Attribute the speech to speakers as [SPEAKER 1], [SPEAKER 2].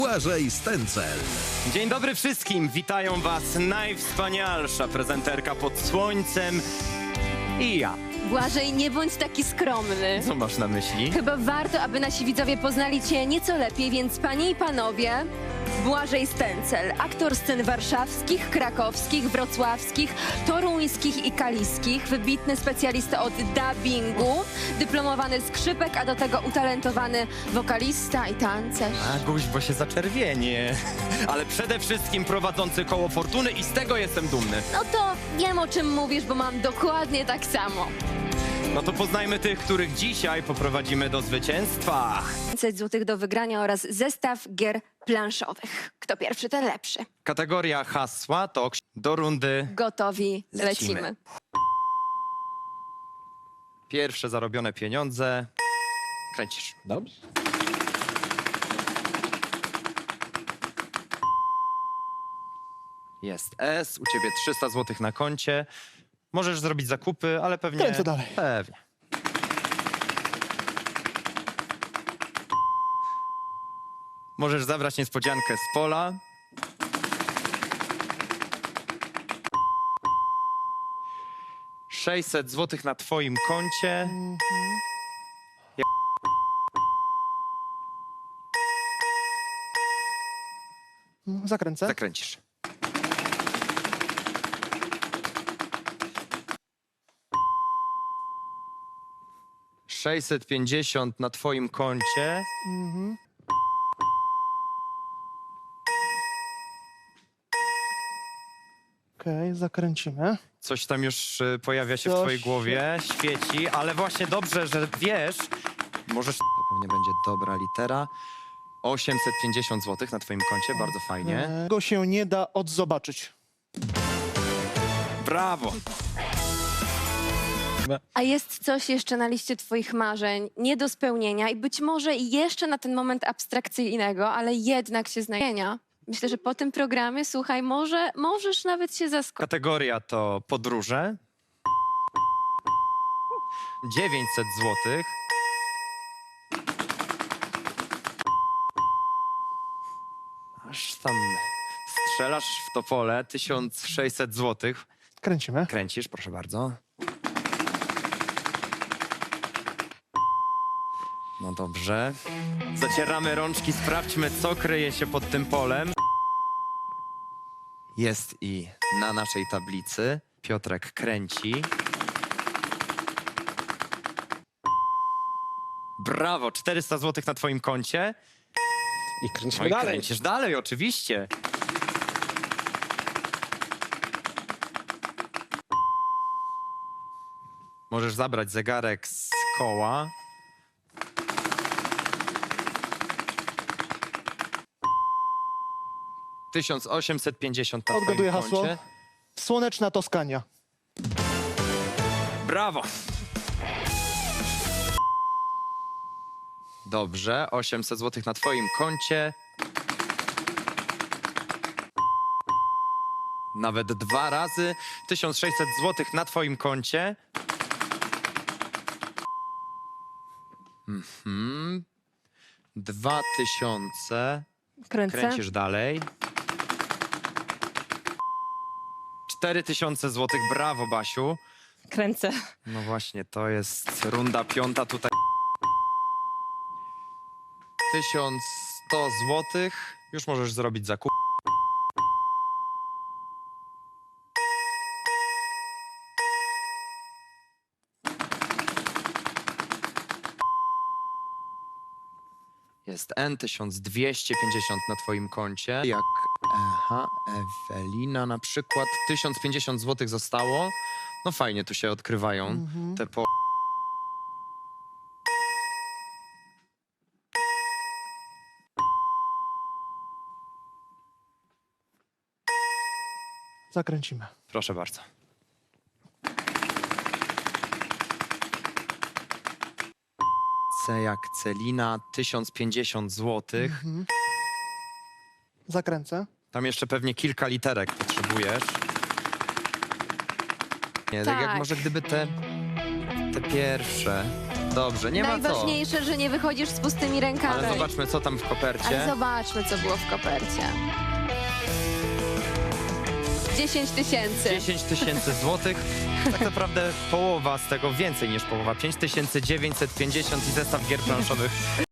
[SPEAKER 1] Błażej Stęcel.
[SPEAKER 2] Dzień dobry wszystkim, witają was najwspanialsza prezenterka pod słońcem i ja.
[SPEAKER 3] Błażej, nie bądź taki skromny.
[SPEAKER 2] Co masz na myśli?
[SPEAKER 3] Chyba warto, aby nasi widzowie poznali cię nieco lepiej, więc panie i panowie, Błażej Stęcel, aktor scen warszawskich, krakowskich, wrocławskich, toruńskich i kaliskich, wybitny specjalista od dubbingu, dyplomowany skrzypek, a do tego utalentowany wokalista i tancerz.
[SPEAKER 2] Aguś, bo się zaczerwienie. Ale przede wszystkim prowadzący koło fortuny i z tego jestem dumny.
[SPEAKER 3] No to wiem, o czym mówisz, bo mam dokładnie tak samo.
[SPEAKER 2] No to poznajmy tych, których dzisiaj poprowadzimy do zwycięstwa.
[SPEAKER 3] 500 zł do wygrania oraz zestaw gier planszowych. Kto pierwszy, ten lepszy.
[SPEAKER 2] Kategoria hasła to do rundy.
[SPEAKER 3] Gotowi, lecimy.
[SPEAKER 2] Pierwsze zarobione pieniądze. Kręcisz.
[SPEAKER 1] Dobrze.
[SPEAKER 2] Jest S, u ciebie 300 zł na koncie. Możesz zrobić zakupy, ale pewnie...
[SPEAKER 4] Kręcę dalej.
[SPEAKER 2] Pewnie. Możesz zabrać niespodziankę z pola. $600 zł na twoim koncie.
[SPEAKER 4] Zakręcę.
[SPEAKER 2] Zakręcisz. $650 na twoim koncie.
[SPEAKER 4] Okej, zakręcimy.
[SPEAKER 2] Coś tam już pojawia się w
[SPEAKER 4] Coś
[SPEAKER 2] twojej głowie, świeci, ale właśnie dobrze, że wiesz, możesz... To pewnie będzie dobra litera. 850 zł na twoim koncie, bardzo fajnie.
[SPEAKER 4] Go się nie da odzobaczyć.
[SPEAKER 2] Brawo!
[SPEAKER 3] A jest coś jeszcze na liście twoich marzeń, nie do spełnienia i być może jeszcze na ten moment abstrakcyjnego, ale jednak się znajdzie. Myślę, że po tym programie, słuchaj, możesz nawet się zaskoczyć.
[SPEAKER 2] Kategoria to podróże. 900 zł. Aż tam strzelasz w to pole. 1600 zł.
[SPEAKER 4] Kręcimy.
[SPEAKER 2] Kręcisz, proszę bardzo. No dobrze. Zacieramy rączki, sprawdźmy, co kryje się pod tym polem. Jest i na naszej tablicy. Piotrek kręci. Brawo, 400 zł na twoim koncie.
[SPEAKER 1] I
[SPEAKER 2] No
[SPEAKER 1] kręcimy
[SPEAKER 2] i
[SPEAKER 1] dalej.
[SPEAKER 2] kręcisz dalej, oczywiście. Możesz zabrać zegarek z koła. $1850 na twoim
[SPEAKER 4] Odgaduję hasło.
[SPEAKER 2] koncie.
[SPEAKER 4] Słoneczna Toskania.
[SPEAKER 2] Brawo! Dobrze, 800 zł na twoim koncie. Nawet 2 razy. 1600 zł na twoim koncie. 2000.
[SPEAKER 3] Kręcę.
[SPEAKER 2] Kręcisz dalej. 4000 zł. Brawo, Basiu.
[SPEAKER 3] Kręcę.
[SPEAKER 2] No właśnie, to jest runda piąta tutaj. 1100 zł. Już możesz zrobić zakup. Jest N, 1250 na twoim koncie. Jak Ewelina na przykład. 1050 zł zostało. No fajnie, tu się odkrywają te po...
[SPEAKER 4] Zakręcimy.
[SPEAKER 2] Proszę bardzo. C jak Celina, 1050 zł.
[SPEAKER 4] Zakręcę.
[SPEAKER 2] Tam jeszcze pewnie kilka literek potrzebujesz. Nie, tak jak
[SPEAKER 3] Tak.
[SPEAKER 2] może gdyby te pierwsze. Dobrze, nie ma co.
[SPEAKER 3] Najważniejsze, że nie wychodzisz z pustymi rękami.
[SPEAKER 2] Ale zobaczmy, co tam w kopercie.
[SPEAKER 3] Ale zobaczmy, co było w kopercie. 10 000.
[SPEAKER 2] 10 000 złotych. Tak naprawdę połowa z tego, więcej niż połowa. 5950 i zestaw gier planszowych